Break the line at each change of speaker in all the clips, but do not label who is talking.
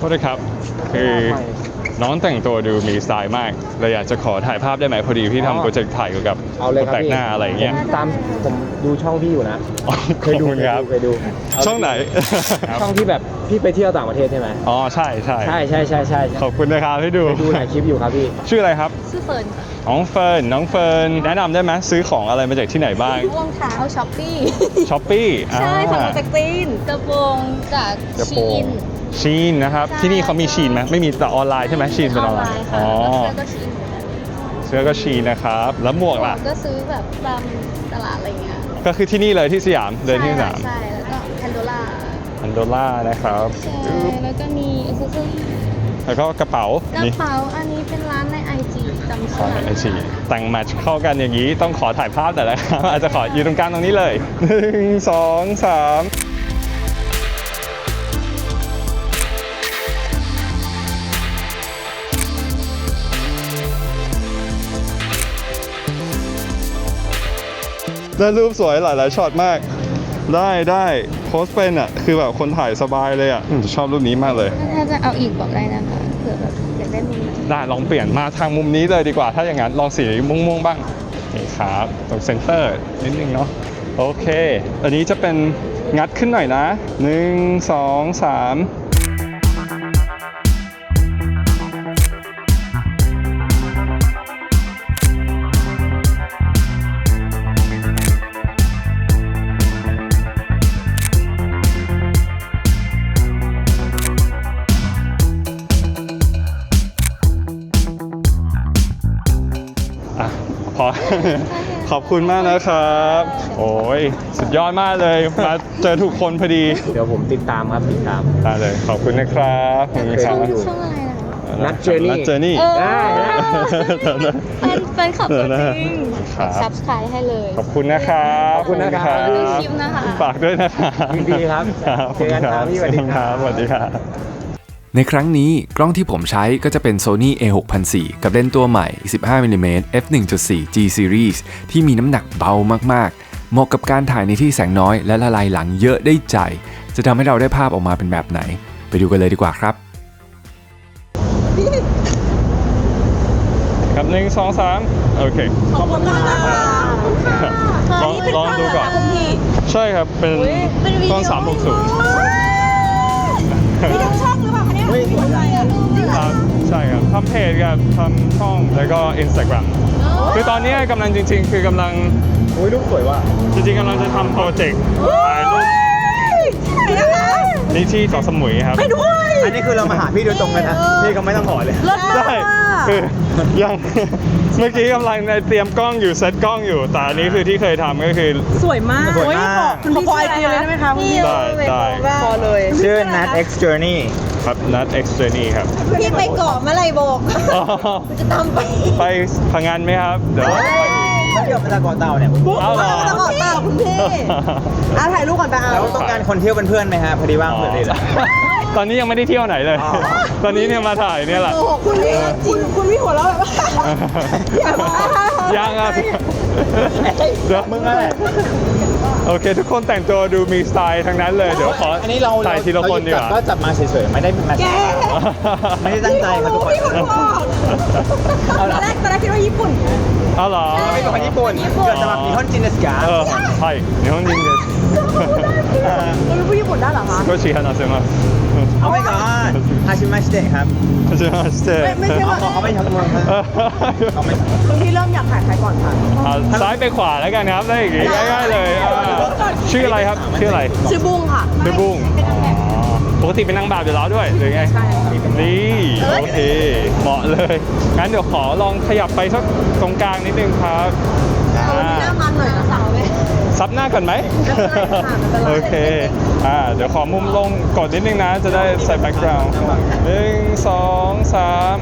ษครับคือน้องแต่งตัวดูมีสไตล์มากเลยอยากจะขอถ่ายภาพได้ไหมพอดีพี่ทำโปรเจกต์ถ่ายเกี่ยวกับคนแปลกหน้าอะไรเงี้ย
ตามผมดูช่องพี่อยู่นะ
เคยดูครับ
เคยดู
ช่องไหน
ช่องที่แบบพี่ไปเที่ยวต่างประเทศใช่ไหม
อ๋อใช่ใช่ขอบคุณนะครับที่ดู
หลายคลิปอยู่ครับพี่
ชื่ออะไรครับ
ชื่อเฟิร์นค่ะ
น้องเฟิร์นแนะนำได้ไหมซื้อของอะไรมาจากที่ไหนบ้าง
รองเท้าช้อปปี้
ช้อปปี้
ใช่สั่งมาจากจีนกระโปรงจาก
ชีนนะครับที่นี่เขามีชีนไหมไม่มีแต่ออนไลน์ใช่ไหมชีนเป็นออนไลน์
อ๋อ
เสื้อก็ชีนนะครับแล้วหมวกล่ะ
ก็ซื้อแบบตามตลาดอะไรเงี้ย
ก็คือที่นี่เลยที่สยามเดินที่สยาม
ใช่แล้วก็แพนโด
ล่านะครับ
ใช่แล้วก็มีอุปกรณ์
แล้วก็กระเป๋า
อันนี้เป็นร้านใน IG จำชื่อ
ใน IG แต่งแมทช์เข้ากันอย่างนี้ต้องขอถ่ายภาพแต่ละครับอาจจะขออยู่ตรงกลางตรงนี้เลย1 2 3ได้รูปสวยหลายช็อตมากได้โพสเป็นอ่ะคือแบบคนถ่ายสบายเลยอ่ะชอบรูปนี้มากเลย
ถ้าจะเอาอีกบอกได้นะคะเผื่อแบบอยากได้มุม
ได้ลองเปลี่ยนมาทางมุมนี้เลยดีกว่าถ้าอย่างนั้นลองสีม่วงบ้างนี่ครับตรงเซนเตอร์นิดนึงเนาะโอเคอันนี้จะเป็นงัดขึ้นหน่อยนะ1 2 3ขอบคุณมากนะครับโอ้ยสุดยอดมากเลยมาเจอถูกคนพอดี
เดี๋ยวผมติดตาม
ได้เลยขอบคุณนะครับ
ช่องอะไรนะ
นัดเจอร์นี่
เป็นขับตัวจริงซับสไครต์ให้เลย
ขอบคุณนะครับ
ดู
คลิปนะคะ
ฝากด้วยนะครับ
ดีครับเจอกันครับพี่สวัสดี
ครับ
ในครั้งนี้กล้องที่ผมใช้ก็จะเป็น Sony A6004 กับเลนส์ตัวใหม่ 15mm f1.4 G Series ที่มีน้ำหนักเบามากๆเหมาะกับการถ่ายในที่แสงน้อยและละลายหลังเยอะได้ใจจะทำให้เราได้ภาพออกมาเป็นแบบไหนไปดูกันเลยดีกว่าครับ
ครับ1 2 3โอเค
ขอบคุณค่ะ
ลองดูก่อนใช่ครับเป็นกล้อง360
ไม่ต้องช่องหรือเปล่าคะเนี่ย
สวยจัง
ครับใช่ครับทำเพจกับทำช่องแล้วก็ Instagram คือตอนนี้กำลังจริงๆคือกำลัง
รูปสวยว่ะ
จริงๆกำลังจะทำโปรเจกต์ถ่ายรูป
ที่ไหนนะคะ
นี่ที่เกาะสมุยครับ
ไปด้วย
อันนี้คือเรามาหาพี่โดยตรงเลยนะพี่เขาไม่ต้องขอเลย
ใช่คือยังเมื่อกี้กำลังเตรียมกล้องอยู่เซตกล้องอยู่แต่อันนี้คือที่เคยทำก็คือ
สวยมากคุณขอไอจีเลยได้ไหมคะ
ได้
พอเลย
ชื่อ Nat X Journey
ครับ Nat X Journey ครับ
พี่ไปเกาะเมื่อไรบอกจะตาม
ไปพังงานไหมครับเดี๋ยว
เที่ยวไปตะเกาะเต่าเนี่ย
เอาเหรอ
ตะเกาะเต่าคุณพี่ถ่ายรูปก่อนไปเอา
แล้วต้องการคนเที่ยวเป็นเพื่อนไหมฮะพอดีว่างเพื่อนเลย
ตอนนี้ยังไม่ได้เที่ยวไหนเลยตอนนี้เนี่ยมาถ่ายเนี่ยแหละ
คุณพี่หัวเราะแบบ
ยังอ่ะเดี๋ยวมึงอะไรโอเคทุกคนแต่งตัวดูมีสไตล์ทั้งนั้นเลยเดี๋ยวขอถ่ายทีละคนดีกว่า
ก็จับมาเฉยๆไม่ได้เป็นมาไม่ได้ตั้งใจครับทุกคน
ตอนแรกคิดว่าญี่ปุ่น
เอาเหรอ
ไม่ใช่คนญี่ปุ่นเกิดจากญี่ปุ่นจินเนสกา
ใช่ญี่ปุ่นจินเนส
เราเป็นผู้ญี่ปุ่นได้เหรอคะ
ก็ชิฮานาเซมา
โอ้ my god ฮาชิมาชิเตะครับ
ฮาชิมาชิเตะ
ไม่ใช่ว่า
เขาไม่ทำเมืองเขาไม่
คุณพี่เริ่มอยากถ่ายใครก่อนค่ะ
ซ้ายไปขวาแล้วกันครับได้อย่างงี้ง่ายๆเลยชื่ออะไรครับชื่ออะไร
ชื่อบุ้งค่ะ
ชื่อบุ้งปกติเป็นนางแบบอยู่แล้วด้วยหรือไง
ใช่
นี่โอเคเหมาะเลยงั้นเดี๋ยวขอลองขยับไปสักตรงกลางนิดนึงครับ
หน้ามันหน่อยนะสาวไหม
ซับหน้าก่อนไหมโอเคเดี๋ยวขอมุมลงกดนิดนึงนะจะได้ใส่แบ็คกราวด์1 2 3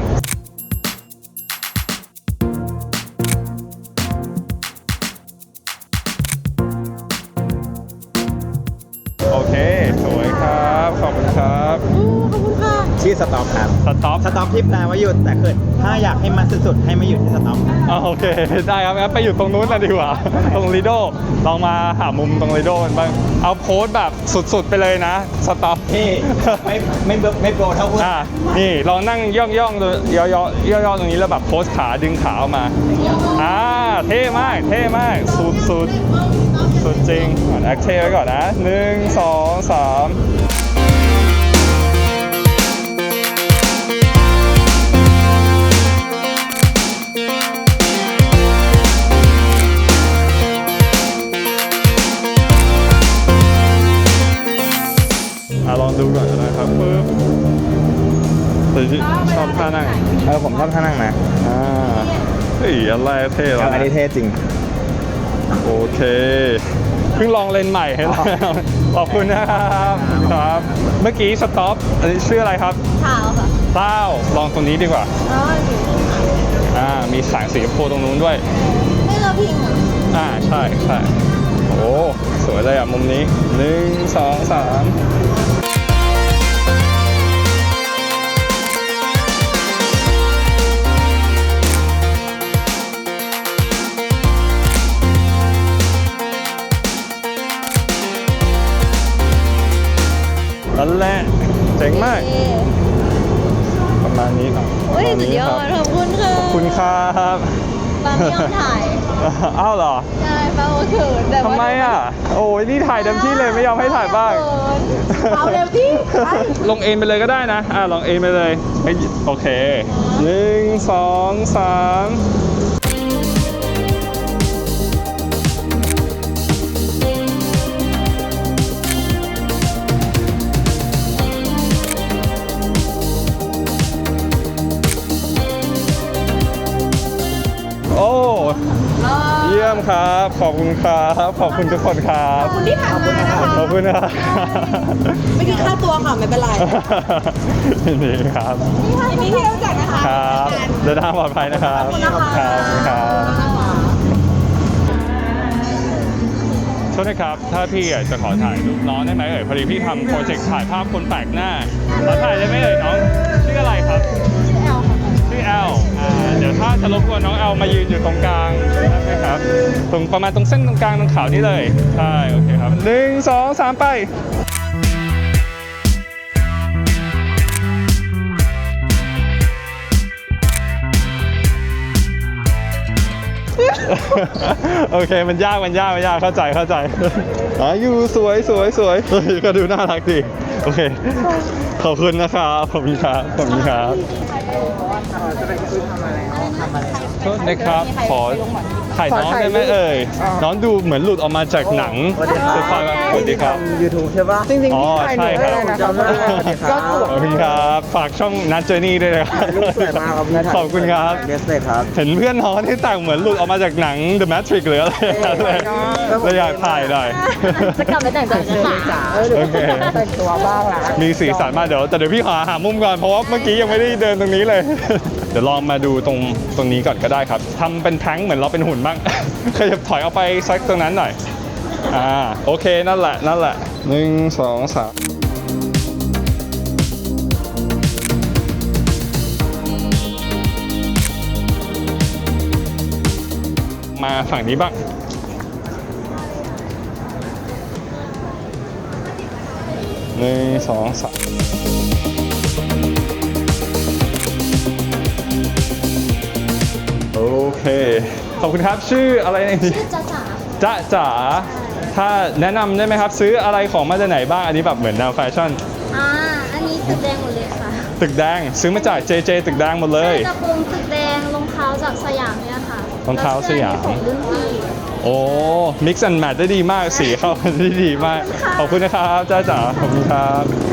โอเคสวยครับขอบคุณครับ
ขอบคุณค่ะ
ชื่อสต็อปครับ
สต็อป
สต็อปที่แปลว่าหยุดแต่คือถ้าอยากให้มันสุดๆให้มาหยุดที่สต็อป
โอเค ได้ครับงั้นไปอยู่ตรงนู้นนะดีกว่า ตรงลีโดลองมาหามุมตรงลีโดกันบ้าง เอาโพสต์แบบสุดๆไปเลยนะ สต็อป
นี่ไม่โปรเท่าพวก
นี่ลองนั่งย่องๆตัวย่อๆตรงนี้แล้วแบบโพสขาดึงขาออกมา เท่มากเท่มากสุดจริงแอคเท่ไว้ก่อนนะ1 2 3ลองดูก่อนนะครับปึ๊บแต่ชอบท่านั่ง
ผมชอบท่านั่งนะ
เฮ้ยอะไรเท่แล้ว
อันนี้เท่จริง
โอเคเพิ่งลองเลนส์ใหม่ให้แล้วขอบคุณนะครับครับ เมื่อกี้สต็อปอันนี้ชื่ออะไรครับ
ขาวค่ะ
เต้าลองตรงนี้ดีกว่า
อ๋ออยู่
มีแสงสีชมพูตรงนู้นด้วย
ไม่เราพิงอ่ะ
ใช่โอ้สวยเลยอ่ะมุมนี้1 2 3นั่นแหละเจ๋งมาก ประมาณนี้ครับ
เฮ้ย
ประมาณ
สุด
นี้
ยอ
ครับ
ดขอบคุณค่ะ
ขอบคุณครับ
ปาไม่ยอมถ่าย
อ้าวเหรอ
ใช่ปาโอเขินแต่ว่า
ทำไมอ่ะ โอ้ยนี่ถ่ายเต็มที่เลยไม่ยอมให้ถ่ายบ้าง
เอาเร็วที่ไป
ลงเอ็นไปเลยก็ได้นะ ลองเอ็นไปเลยเฮ้ยโอเค1 2 3โอ้ เยี่ยมครับ ขอบคุณครับ ขอบคุณทุกคนครับ
ขอบคุณที่ผ่านมานะคะ
ขอบคุณนะครับ
ไม่คิดค่าตัวค่ะไม่เป็นไร
ยินดีครับ
ยินดีที่รู้จักนะคะ
ครับเดินทางปลอดภัยนะครับ
ขอบคุณนะคะ
ครับ โทษนะครับ ถ้าพี่จะขอถ่ายรูปน้องได้ไหมเอ่ย พอดีพี่ทำโปรเจกต์ถ่ายภาพคนแปลกหน้า ขอถ่ายได้ไหมเอ่ยน้อง ชื่ออะไรครับ
ชื่อแอลค่ะ
ชื่อแอลเดี๋ยวถ้าจะรบกวนน้องแอลมายืนอยู่ตรงกลางได้ไหมครับ ตรงประมาณตรงเส้นตรงกลางตรงขาวนี่เลย ใช่ โอเคครับ1 2 3 ไป โอเค มันยากเข้าใจอยู่สวยเฮ้ยก็ดูน่ารักดี โอเค ขอบคุณนะครับขอบคุณครับโทษนะครับ ขอถ่ายน้องได้ไหมเอ่ย น้องดูเหมือนหลุดออกมาจากหนังคือความสวัสดีครับ
YouTube ใช่ปะจริงๆ
อ๋อ
พี่ถ่ายหนู
ใช่
ได้
ครับ
เลยนะครับ
ขอบคุณครับ ฝากช่องนัทเจอร์นี่ด้วยนะครับ
รูปสวยมากครับเนี่ย
ขอบคุณครับ
เดสเลยครับ
เห็นเพื่อนน้องที่แต่งเหมือนหลุดออกมาจากหนัง The Matrix หรืออะไรเลยอยากถ่ายหน่อย
จะกลับไปแต่งตัวค่ะ
โอเค
แต่งตัวบ้างละ
มีสีสันมากเดี๋ยวพี่หามุมก่อนเพราะว่าเมื่อกี้ยังไม่ได้เดินตรงนี้เลย เดี๋ยวลองมาดูตรงนี้ก่อนก็ได้ครับทำเป็นแท้งเหมือนเราเป็นหุ่นบ้าง ขยับถอยออกไปสักตรงนั้นหน่อยโอเคนั่นแหละ1 2 3มาฝั่งนี้บ้าง1 2 3โอเค ขอบคุณครับ ชื่ออะไรนะ
ชื่อจ๋า
จ๋าถ้าแนะนำได้ไหมครับ ซื้ออะไรของมาจากไหนบ้าง อันนี้แบบเหมือนแนวแฟชั่น
อันนี้ตึกแดงหมดเลยค่ะ
ตึกแดง ซื้อมาจาก JJ ตึกแดงหมดเลย
กระโปรงตึกแดงรองเท้าจากสยามเนี่ยค่ะ
รองเท้าสยาม
แล้วเสื้อนี่ของรุ่นพี่
โอ้ mix and match ได้ดีมาก สีเข้ากันได้ดีมาก ขอบคุณนะครับจ๋าขอบคุณครับ